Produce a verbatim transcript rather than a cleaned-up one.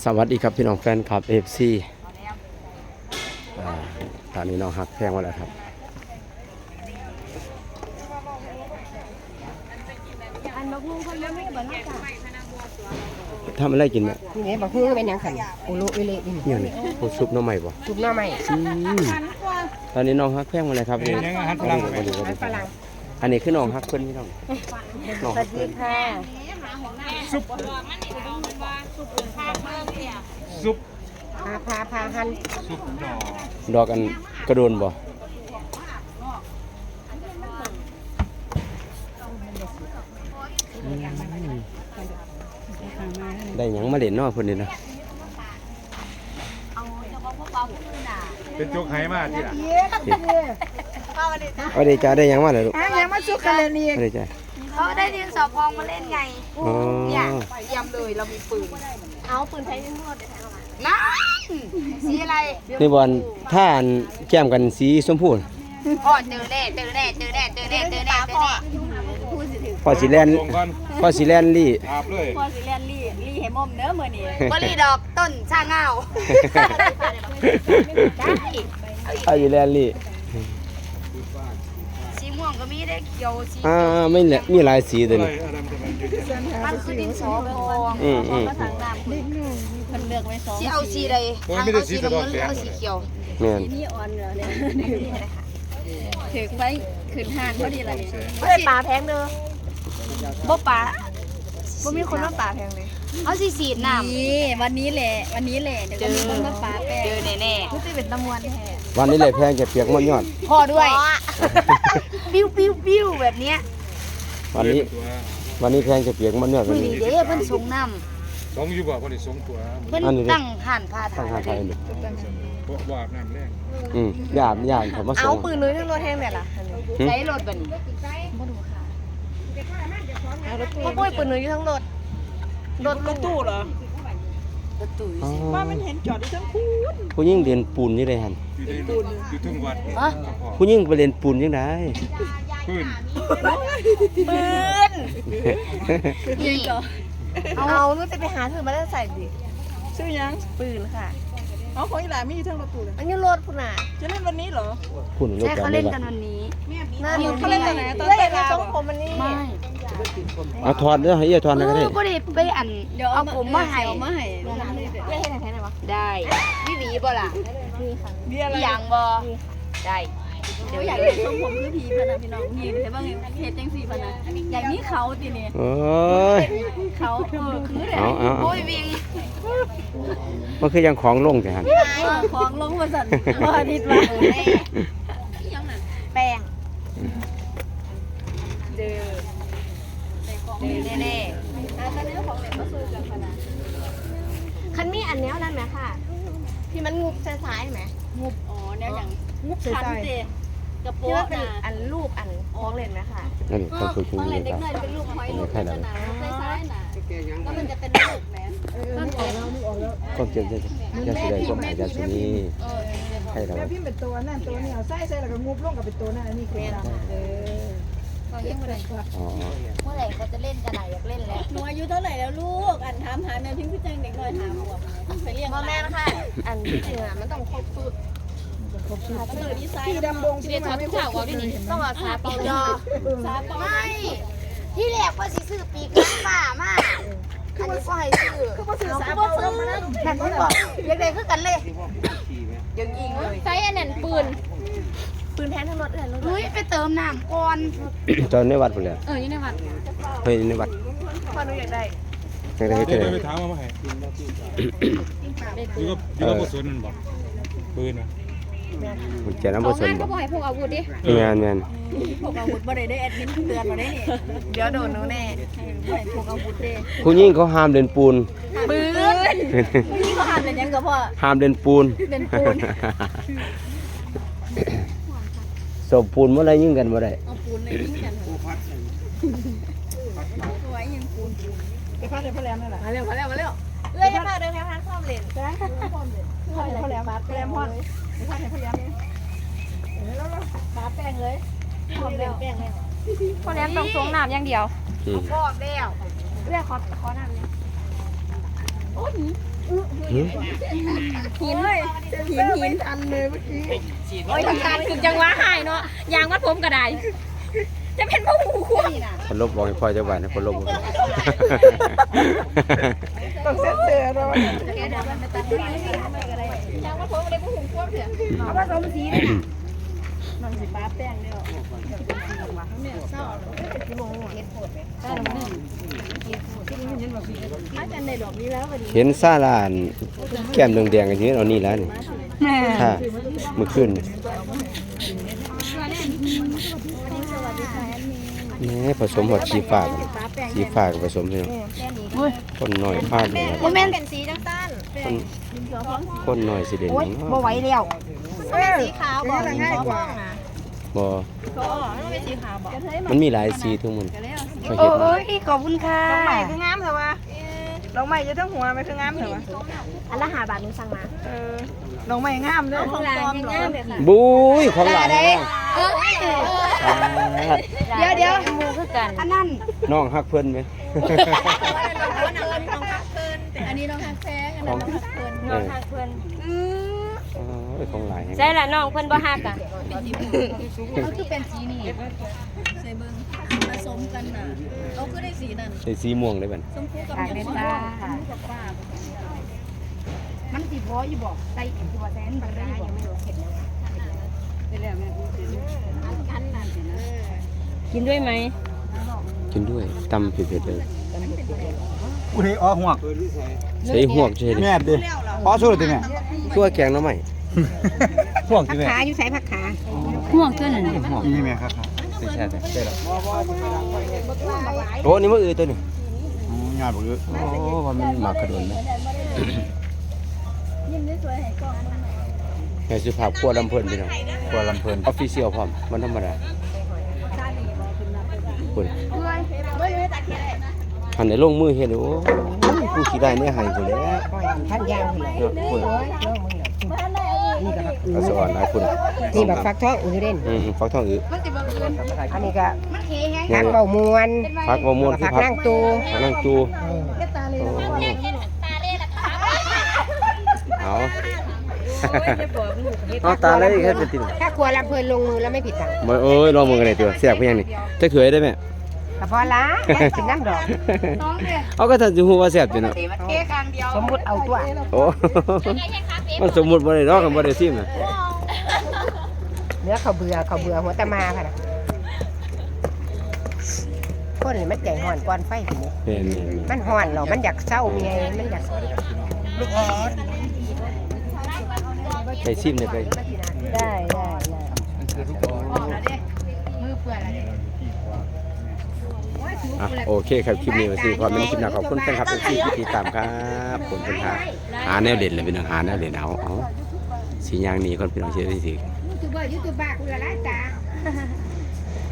สวัสดีครับพี่น้องแฟนคลับ เอฟ ซี อ่าตอนนี้น้องฮักแพงมาแล้วครับทำอะไรกินไหมนี่ไงบอกฮื้อเป็นยังขันโอโลเอเล่นี่เนี่ยนี่โอ้ซุปหน้ำใหม่บ่ซุปหน้าใหม่อืมตอนนี้น้องฮักแพงมาเลยครับนี่ยังอาหารฝรั่งไหมฝรั่งอันนี้คือน้องฮักเพิ่นพี่น้องน้องสวัสดีค่ะซุปซุปพาพาพาหันซุปดอกดอกอันกระโดนบ่อืมได้หยังมาเล่นเนาะเพิ่นนี่นะเป็นโจ๊กไหมาที่ละเอาได้จ้าได้หยังมาเลยลูกยังมาซุกกันเลยนี่เอาได้จ้าเขาได้ดินสอพองมาเล่นไงอ๋อเนี่ยเตรียมเลยเรามีปืน เอาปืนใช้ยิงรวดเดี๋ยวใช้เข้ามานั่นสีอะไรนี่บอลถ้าอันแก้มกันสีชมพูพ่อเจอแน่เจอแน่เจอแน่เจอแน่เจอแน่พ่อพอสีแลนลงก่อนพอสีแลนลี่อาบเลยพอสิเรียนลี่ลี่ให้มอมเด้อมื้อนี้บรีดอกต้นชาเงาเอาอยู่แลนลี่สีม่วงก็มีได้เขียวสีอ่าไม่แหละมีหลายสีตัวอะไรนี้อะไรมันจะมันอยู่ที่มันคือดินสอพองอืมอืมก็ทางน้ำเพิ่นเลือกไว้สองสีเอาสีใดทางเอาสีน้ำเงินหรือเอาสีเขียวแม่นสีนี้อ่อนเหรอเนี่ยถึงไว้ขึ้นห้างพอดีล่ะนี่ไม่ได้ปลาแพงเด้อบ่ปลาบ่มีคนมาปลาแพงเลยเอาสีสีน้ำนี่วันนี้แหละวันนี้แหละเดี๋ยวก็มีคนมาปาแป้งเจอแน่รู้สึกเป็นตะมวนแท้วันนี้เลยแพงจะเปียกมันยอดๆพ่อด้วยปิ้วปิ้วปิ้วแบบเนี้ยวันนี้ตัววันนี้แพงจะเปียกมันยอดคืวันอนี้นี่เด้เพิ่นส่งน้สองอยู่บ่คนนี้สองตัวำเพิ่นตั้งห่านผ้าตั้ถ่างหาไทยยนี่เพราะว่าน้ำแรงอืมญาติญาติเขามาส่เอางปืนเลยทั้งรถแห้งแบบล่ะใช้รถบัดนี้พ่อปุ้ยปืนเลยอยู่ทั้งรถรถรถตู้เหรอรถตู้อ๋อว่ามันเห็นจอดอยู่ทั้งคู่ผู้หญิงเรียนปูนนี่ได้หั่นอยู่ในอยู่ทุ่งวัดฮะผู้หญิงไปเรียนปูนยังไงพื้นปืนนี่เอานู้นจะไปหาเธอมาแล้วใส่ดิชื่อยังปืนค่ะอ๋อของอีหลามีอยู่ทั้งรถตู้เลยอันนี้รถพุ่นน่ะจะเล่นวันนี้เหรอคุณรถใช่จอดเขาได้เล่นบ่กันวันนี้เขาเล่นตอนไหนตอนเล่เต้นนมาลาทวรงผมมันนี่ไม่เอาถอดเด้อให้เอียถอดนะก็ได้ก็ได้ไปอันเดี๋ยวเอาผมมาให้เอามาให้ได้ให้ไหนวะได้พี่หวีบ่ล่ะมีอะไรพี่ยังบ่ได้เดี๋ยวอยากเห็นทรงผมคือผีพะนะพี่น้องยิ้มเห็นบ้างเฮ็ดจังซี่พะนะอย่างนี้เขาตินี่โอ้ยเขาเออคือแหละเอาเอาเอาโอ้ยวิงมันคือยังของลงแต่หั่นเออของลงมาสั่นว่านิดว่าแป้งเด้อเด้อแน่ๆคันมีอันแนวนั้นไหมค่ะที่มันงุบซ้ายๆไหมงุบอ๋อแนวอย่างงุบคันเตกระที่โปะว่าเป็นน่ะอันรูปอันของเล่นไหมค่ะนั่นนี่ต้องคุยคุยต้องเลเล่ยนเด็คกรับน้อยเป็นลูกหอยลูกกระนาซ้ายๆน่ะแล้วมันจะเป็นลูกแหมก็เก็บได้ยาสีแดงส้มหายาสีนี้ให้เราแม่พิมพ์เป็นตัวนั่นตัวนี้เอาไส้ใส่แล้วก็งุบลงกับเป็นตัวนั่นอันนี้คือเออตอนยังบ่ได้อ๋อเมื่อไหร่เขาจะเล่นกันไหนอยากเล่นแล้วหนูอายุเท่าไหร่แล้วลูกอันถามหาแม่พิมพ์พี่แจงเด็กน้อยถามบอกไปเรียกพ่อแม่นะคะอันที่จริงอ่ะมันต้องครบสูตรมันเลยดีไซน์พี่ดำดงใช่ไหมไม่ข่าวว่าดิต้องเอาซาเปายอซาปอไม่ที่แรกว่าสิซื้อปีกไก่ป่ามาอันนี้ก็ให้ซื้อคือว่าสื่อเอาสารก็บ่ซื้อแต่ก็บอกอยากได้คือกันเลยเดี๋ยวยิงเลยใช้อันนั้นปืนปืนแทนทั้งรถเลยรถเฮ้ยไปเติมน้ำก่อนตอนในวัดพุ่นแหละเอออยู่ในวัดเฮ้ยในวัดพ่อหนูอยากได้จังได้เฮ็ดเดี๋จัยวงไปได๋ถามมาให้อยู่กับอยู่กับผู้สนนั่นบ่ปืนนะมันแก่น้ำบ่สนบ่ก็บ่ให้พกอาวุธดิแม่นแม่นพกอาวุธบ่ได้ได้แอดมินเตือนมาได้นี่เดี๋ยวโดนหนูแน่บ่ให้พกอาวุธเด้ผู้หญิงเขาห้ามเล่นปูนปืนนี่ก็หันเลยยังกับพ่อห้ามเล่นปูนเล่นปูนศพปูนเมื่อไรยิ่งกันเมื่อไรเอาปูนในนี้กันไว้ยังปูนไปพาดในพ่อแหลมนั่นแหละมาเร็วมาเร็วมาเร็วเอ้ยมาเดินแถวทางข้ามเลนพาดในพ่อแหลมพ่อแหลมพ่อแหลมพ่อไปพาดในพ่อแหลมนี่แล้วแล้วปาแป้งเลยพร้อมแล้วแป้งเลยพ่อแหลมต้องสงน้ำอย่างเดียวอืมพ่อแล้วเรียกขอขอน้ำเนี่ยโอ้ยหืมหินเลยหินหินอันเลยเมื่อกี้โอ้ยทำการคือจังหวะหายเนาะยางมัดผมก็ได้จะเป็นผู้หูควงคนลบบอกให้พ่อเจ้าบ้านนะคนลบบอกต้องเซ็ตเสือเรายางมัดผมอะไรผู้หูควงเถอะเอาผสมสีเลยนะน้องสิป้าแป้งเด้อ อาจารย์ได้ดอกนี้แล้ววันนี้เห็นซาลานแก้มแดงๆกันอยู่เอานี่แล้วนี่ค่ะเมื่อคืนนี่นี่ผสมหมดสีฟ้ากันสีฟ้ากับผสมเลยคนหน่อยพลาดเลยนะโมเมนต์เป็นสีจังสั้นคนคนหน่อยสิเด่นโอ๊ยบ่ไหวแล้วเออสีขาวบอกนี่ง่ายกว่าบ่ก็มันเป็นสีขาวบอกมันมีหลายสีทุกมันเขาโอ้เฮ็ดมายขอบคุณค่ะดอกไม้คืองามเถอะวะดอกไม้จะทั้งหัวไหมคืองามเถอะวะอันละหาบาทนึงสั่งมาเออดอกไม้งามเด้อของร้านง่ายเลยค่ะบุ้ยของหลานนะเดี๋ยวเดี๋ยวมูคือกันอันนั้นน้องฮักเพิ่นไหมอันนี้น้องฮักแพงอันนั้นน้องฮักเพิ่นน้องฮักเพิ่นโอ้ยของหลายแฮงใช่ละน้องเพิ่นบ่ฮักอ่ะเขาคือเป็นสีนี่ใส่เบิ่งผสมกันน่ะเขาคือได้สีนั่นใส่สีม่วงได้บัดชมพูกับฝากชเด้มอพูจ้ากับฟ้ามันสีพออยู่บอกใส่ตัวแสนบาทได้อยู่บอกกินด้วยไหมกินด้วยตำเผ็ดๆเลยกูนี่อ้อหวกใส่หวกใช่ดิแม่ดิอ้อสู้เลยติแม่ตัวแกงหน้ำใหม่หวกติแม่ขาอยู่ใส่ผักขาห่วงตัวนั้นหวกนี่แม่ครับใช่ใช่ใช่แล้วโอ้นี่มันอือตัวนี้อ๋องานบ่คือโอ้ว่ามันหมากกระโดนนะยิ้มได้สวยให้กล้องมันหน่อยไงสุภาพครัวลำเพิ่นพี่น้องตัวลำเพลินออฟฟิเชียลพร้อมมันธรรมดาคุณหันในลงมือเห็นโอ้ยกูขี้ได้เนี่ยหายคนแล้วท่านยาวเลยเนาะคุณนี่ก็ผักอือาอสวรรค์หลายคุณนี่แบบฟักทองอือเด่นอืมฟักทองอืออันนี้ก็เนี่ผัยกเบามวนฟักบะม่วงคือผักพักนั่งตูผักนั่งจูโอ้เอาเอาตาเลยแค่เป็นติ่งถ้าครัวลำเพลินลงมือแล้วไม่ผิดหวังมาเอ้ยลองมือกันเลยตัวเสียบเพียงนี่จะเขยได้ไหมกระเพาะล้ากินน้ำดอกเอาก็ถ้าจะหูว่าเสียบอยู่เนาะสมมุติเอาตัวโอ้มันสมมุติบ่ได้ดอกกันบ่ได้ซิมน่ะเนื้อเขาเบื่อเขาเบื่อหัวตะมาค่ะนะคนนี่มันใจห่อนก่อนไฟทีนี้เห็นเห็นมันห่อนเหรอมันอยากเศร้าไงมันอยากไปซิมได้ไปได้ได้ได้อ่ะโอเคครับคลิปนี้มาสิความเป็นคลิปหน้าขอบคุณแฟนคลับที่ติดตามครับผมเป็นหาหาแนวเด่นเลยเป็นหาแนวเด่นเอาเอาสีอย่างนี้คนเป็นน้องเชื่อที่สิยูทูบเบอร์ยูทูบบ้าคุณละไรจ้า